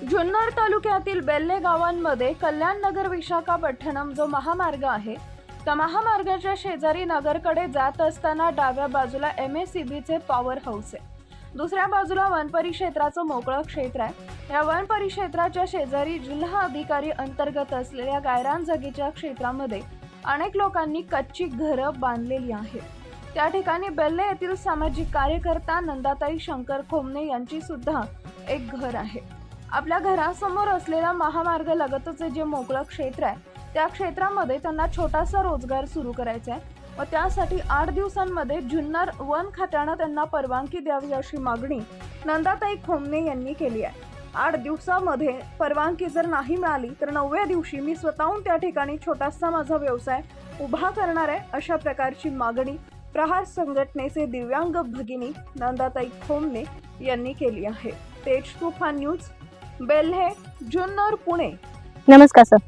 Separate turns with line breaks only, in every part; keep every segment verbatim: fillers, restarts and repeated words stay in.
जुन्नर तालुक्यातील बेल्ले गावांमध्ये कल्याण नगर विशाखापट्टणम जो महामार्ग आहे त्या महामार्गाच्या शेजारी नगरकडे जात असताना डाव्या बाजूला एम एस सी बीचे पॉवर हाऊस आहे. दुसऱ्या बाजूला वन परिक्षेत्राचं मोकळं क्षेत्र आहे. या वन परिक्षेत्राच्या शेजारी जिल्हा अधिकारी अंतर्गत असलेल्या गायरान जागेच्या क्षेत्रामध्ये अनेक लोकांनी कच्ची घरं बांधलेली आहेत. त्या ठिकाणी बेल्ले येथील सामाजिक कार्यकर्ता नंदाताई शंकर खोमने यांची सुद्धा एक घर आहे. आपल्या घरासमोर असलेला महामार्ग लगतच जे मोकळं क्षेत्र आहे त्या क्षेत्रामध्ये त्यांना छोटासा रोजगार सुरू करायचा आहे व त्यासाठी आठ दिवसांमध्ये जुन्नर वन खात्यानं त्यांना परवानगी द्यावी अशी मागणी नंदाताई खोमने यांनी केली आहे. आठ दिवसामध्ये परवानगी जर नाही मिळाली तर नवव्या दिवशी मी स्वतःहून त्या ठिकाणी छोटासा माझा व्यवसाय उभा करणार आहे अशा प्रकारची मागणी प्रहार संघटनेचे दिव्यांग भगिनी नंदाताई खोमने यांनी केली आहे. तेज तुफान न्यूज बेल्हे जुन्नर पुणे.
नमस्कार सर.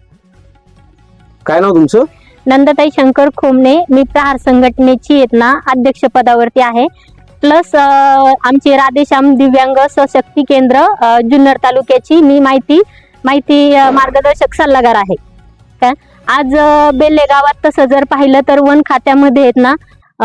काय नाव तुमचं?
नंदाताई शंकर खोमने. मी प्रहार संघटनेची आहेत ना अध्यक्ष पदावरती आहे. प्लस आमचे राधेश्याम दिव्यांग सशक्ती केंद्र जुन्नर तालुक्याची मी माहिती माहिती मार्गदर्शक सल्लागार आहे. काय आज बेल्ले गावात तसं जर पाहिलं तर वन खात्यामध्ये आहेत ना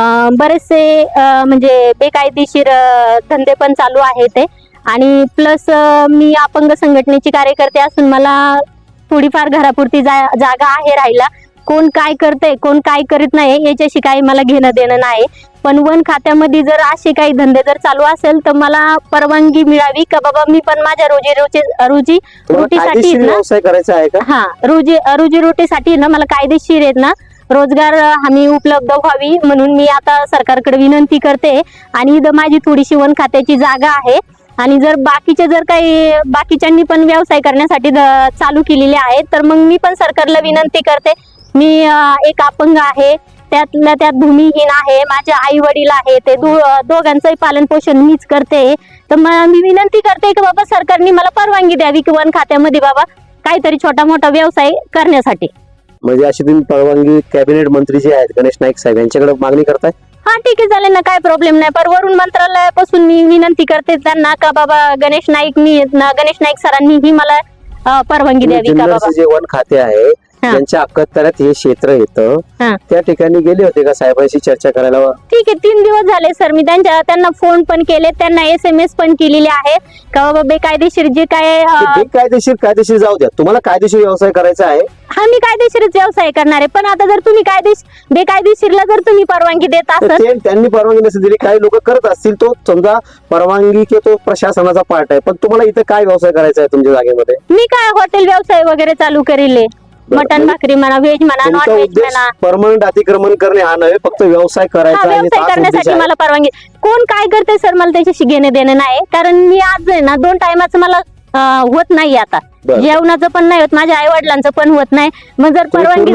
बरेचसे म्हणजे बेकायदेशीर धंदे पण चालू आहेत ते आणि प्लस मी अपंग संघटनेची कार्यकर्ते असून मला थोडीफार घरापुरती जा जागा आहे राहिला. कोण काय करते कोण काय करीत नाही याच्याशी काही मला घेणं देणं नाही. पण वन खात्यामध्ये जर असे काही धंदे जर चालू असेल तर मला परवानगी मिळावी का बाबा मी पण माझ्या रोजी रोजी रोजी रोटीसाठी
व्यवसाय करायचा आहे का?
हा रोजी रोजी रोटीसाठी ना मला कायदेशीर आहेत ना रोजगार हमी उपलब्ध व्हावी म्हणून मी आता सरकारकडे विनंती करते. आणि इथं माझी थोडीशी वन खात्याची जागा आहे आणि जर बाकीचे जर काही बाकीच्यांनी पण व्यवसाय करण्यासाठी चालू केलेले आहेत तर मग मी पण सरकारला विनंती करते. मी एक अपंग आहे, त्यातल्या त्यात भूमिहीन आहे, माझे आई वडील आहे, ते दो दोघांचंही पालन पोषण मीच करते. तर मी विनंती करते की बाबा सरकारने मला परवानगी द्यावी की वन खात्यामध्ये बाबा काहीतरी छोटा मोठा व्यवसाय करण्यासाठी.
म्हणजे अशी तुम्ही परवानगी कॅबिनेट मंत्री जे आहेत गणेश नाईक साहेब यांच्याकडे मागणी करताय?
हा ठीक आहे चालेल ना, काय प्रॉब्लेम नाही. पर वरून मंत्रालयापासून मी विनंती करते त्यांना का बाबा गणेश नाईकनी गणेश नाईक सरांनी ही मला परवानगी द्यावी का बाबा.
जे वन खाते आहे त्यांच्या अखत्यारीत हे क्षेत्र येतं त्या ठिकाणी गेले होते का साहेबांशी चर्चा करायला?
ठीक आहे, तीन दिवस झाले सर मी त्यांच्या त्यांना फोन पण केले, त्यांना एस एम एस पण केलेले आहेत का बाबा बेकायदेशीर जे काय
बेकायदेशीर कायदेशीर जाऊ द्या, तुम्हाला कायदेशीर व्यवसाय करायचा आहे.
हा मी कायदेशीरच व्यवसाय करणार आहे. पण आता जर तुम्ही कायदेशीर बेकायदेशीरला जर तुम्ही परवानगी देत असाल,
त्यांनी परवानगी नसेल दिली, काही लोक करत असतील, तो समजा परवानगी की तो प्रशासनाचा पार्ट आहे, पण तुम्हाला इथे काय व्यवसाय करायचा आहे तुमच्या जागेमध्ये?
मी काय हॉटेल व्यवसाय वगैरे चालू करेल, मटन भाकरी म्हणा, व्हेज म्हणा, नॉन व्हेज म्हणा.
परमनंट अतिक्रमण करणे हा नव्हे, फक्त व्यवसाय करायचा.
व्यवसाय करण्यासाठी मला परवानगी. कोण काय करते सर मला त्याच्याशी घेणे देणे नाही, कारण मी आज आहे ना दोन टायमाचं मला होत नाही, आता जेवणाचं पण नाही होत, माझ्या आई वडिलांचं पण होत नाही. मग जर परवानगी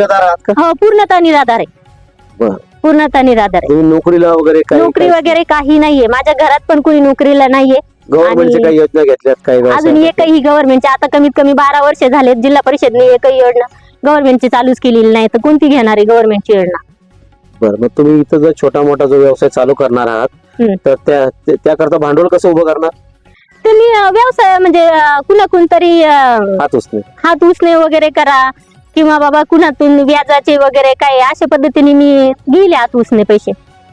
हो पूर्णतः निराधार आहे, पूर्णतः निराधार आहे.
नोकरीला वगैरे
नोकरी वगैरे काही नाहीये, माझ्या घरात पण कोणी नोकरीला नाहीये.
गव्हर्नमेंटच्या काही योजना घेतल्यात काही?
अजून एकही गव्हर्नमेंटची आता कमीत कमी बारा वर्ष झालेत जिल्हा परिषदने एकही योजना गव्हर्नमेंटची चालूच केलेली नाही, तर कोणती घेणार आहे गव्हर्नमेंटची योजना?
बरं, मग तुम्ही इथं जर छोटा मोठा जो व्यवसाय चालू करणार आहात तर त्या त्याकरता भांडवल कसं उभं करणार?
तुम्ही व्यवसाय म्हणजे कुणाकून तरी
हात उसने
हात उसने वगैरे करा किंवा बाबा कुणातून व्याजाचे वगैरे काय अशा पद्धतीने मी गेले हात उसने पैसे.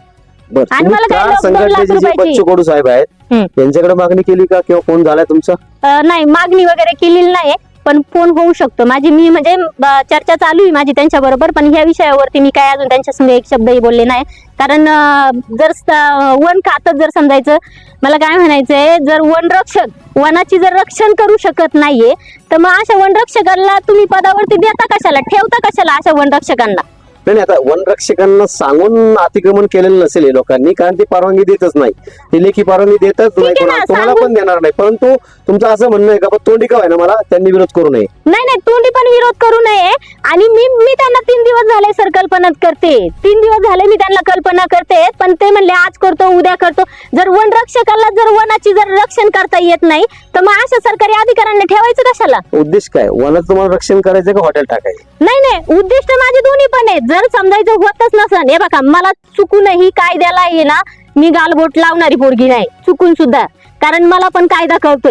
आणि मला काय संघटनेचे जे बच्चू कडू साहेब आहेत त्यांच्याकडे मागणी केली का किंवा फोन झालाय तुमचा?
नाही, मागणी वगैरे केलेली नाही, पण फोन होऊ शकतो माझी. मी म्हणजे चर्चा चालू आहे माझी त्यांच्या बरोबर, पण ह्या विषयावरती मी काय अजून त्यांच्या संग एक शब्दही बोलले नाही. कारण जर वन खातं जर समजायचं मला काय म्हणायचंय, जर वनरक्षक वनाची जर रक्षण करू शकत नाहीये तर मग अशा वनरक्षकांना तुम्ही पदावरती देता कशाला, ठेवता कशाला अशा वनरक्षकांना?
नाही, आता वनरक्षकांना सांगून अतिक्रमण केलेलं नसेल हे लोकांनी, कारण ती परवानगी देतच नाही, ती लेखी परवानगी देतच नाही, तुम्हाला पण देणार नाही. परंतु तुमचं असं म्हणणं आहे का तोंडी का ना मला त्यांनी विरोध करू नये?
नाही नाही, तोंडी पण विरोध करू नये. आणि मी मी त्यांना तीन दिवस झाले सर कल्पना करते, तीन दिवस झाले मी त्यांना कल्पना करते, पण ते म्हणले आज करतो उद्या करतो. जर वनरक्षकाला जर वनाची जर रक्षण करता येत नाही तर मग अशा सरकारी अधिकाऱ्यांना ठेवायचं कशाला?
उद्देश काय वनाचं तुम्हाला रक्षण करायचं का हॉटेल टाकायचं?
नाही नाही, उद्दिष्ट माझे दोन्ही पण आहेत. जर समजायचं होतच नसन, हे बघा मला चुकूनही कायद्याला ये ना मी गालबोट लावणारी पोरगी नाही चुकून सुद्धा, कारण मला पण कायदा कळतोय.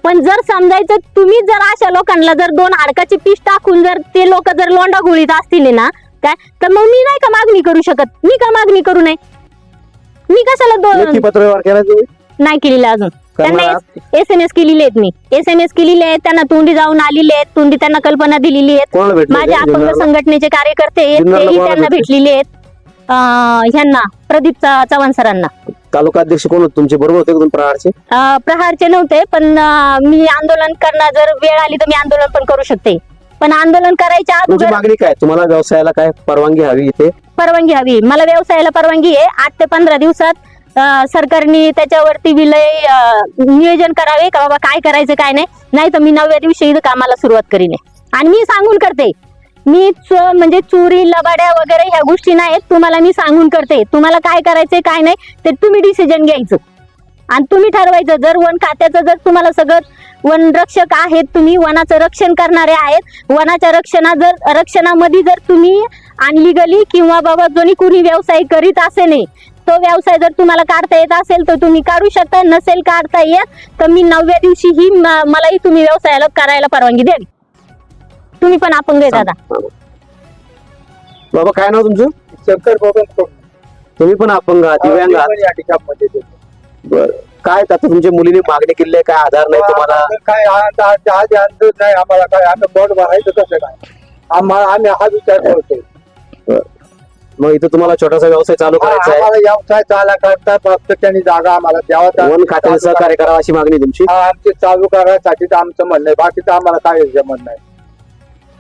पण जर समजायचं तुम्ही जर अशा लोकांना जर दोन हाडकाची पीस टाकून जर ते लोक जर लोंडा गुळीत असतील ना काय, तर मग मी नाही का मागणी करू शकत? मी का मागणी करू नये? मी कशाला
लेखी
दोन
पत्र व्यवहार केला तुम्ही?
नाही केलेलं अजून. त्यांना
करणार?
एस एम एस केलेले आहेत, मी एस एम एस केलेले आहेत, त्यांना तोंडी जाऊन आलेले आहेत, तोंडी त्यांना कल्पना दिलेली आहेत.
कोणाला भेटले
माझे
ते?
अपंग
जुन्नरला?
संघटनेचे कार्यकर्ते आहेत,
जुन्नरला
तेही
कोणाला
त्यांना
भेटले?
भेटलेले आहेत. अं, ह्यांना प्रदीप चा- चव्हाण सरांना.
तालुका अध्यक्ष कोण होते तुमचे? बरोबर होते का तुम्ही प्रहारचे?
अं, प्रहारचे नव्हते, पण अं, मी आंदोलन करणार, जर वेळ आली तर मी आंदोलन पण करू शकते. पण आंदोलन करायच्या
तुमची
अगोदर
मागणी काय? तुम्हाला व्यवसायाला काय परवानगी हवी इथे?
परवानगी हवी. मला व्यवसायाला परवानगी आहे. आठ ते पंधरा दिवसात अं, सरकारने त्याच्यावरती विलय अं, नियोजन करावे का बाबा काय करायचं काय नाही. नाही तर मी नवव्या दिवशी इथं कामाला सुरुवात करीन. आणि मी सांगून करते, मी चो- म्हणजे चोरी लबाड्या वगैरे ह्या गोष्टी नाहीत. तुम्हाला मी सांगून करते, तुम्हाला काय करायचंय काय नाही ते तुम्ही डिसिजन घ्यायचं आणि तुम्ही ठरवायचं. जर वन खात्याचं जर तुम्हाला सगळं वन रक्षक आहेत, तुम्ही वनाचं रक्षण करणारे आहेत, वनाच्या रक्षणा जर रक्षणामध्ये जर तुम्ही अनलिगली किंवा बाबा जोनी कुणी व्यवसाय करीत असे नाही, तो व्यवसाय जर तुम्हाला काढता येत असेल तर तुम्ही काढू शकता. नसेल काढता येत तर मी नवव्या दिवशी ही म- मलाही तुम्ही व्यवसायाला करायला परवानगी द्यावी. तुम्ही पण अपंग आहे दादा.
बाबा काय नाव तुमचं?
शंकर बबन
तुम्ही पण अपंग आहात, दिव्यांग आहात. बरं. काय आता तुमच्या मुलीने मागणी केली आहे, काय आधार नाही तुम्हाला?
काय आ- आ- आधी अंदाज नाही आम्हाला, काय आम्ही बोट भरायचं कसं काय आम्हाला, आम्ही हा विचार करतोय.
मग इथं तुम्हाला छोटासा व्यवसाय चालू करायचा आहे,
आम्हाला व्यवसाय चाला करता फक्त त्यांनी जागा आम्हाला द्यावा.
वन खात्याने सहकार्य करावं अशी मागणी तुमची.
आमचे चालू करायसाठी आमचं म्हणणं आहे, बाकीचं आम्हाला काय म्हणणं आहे.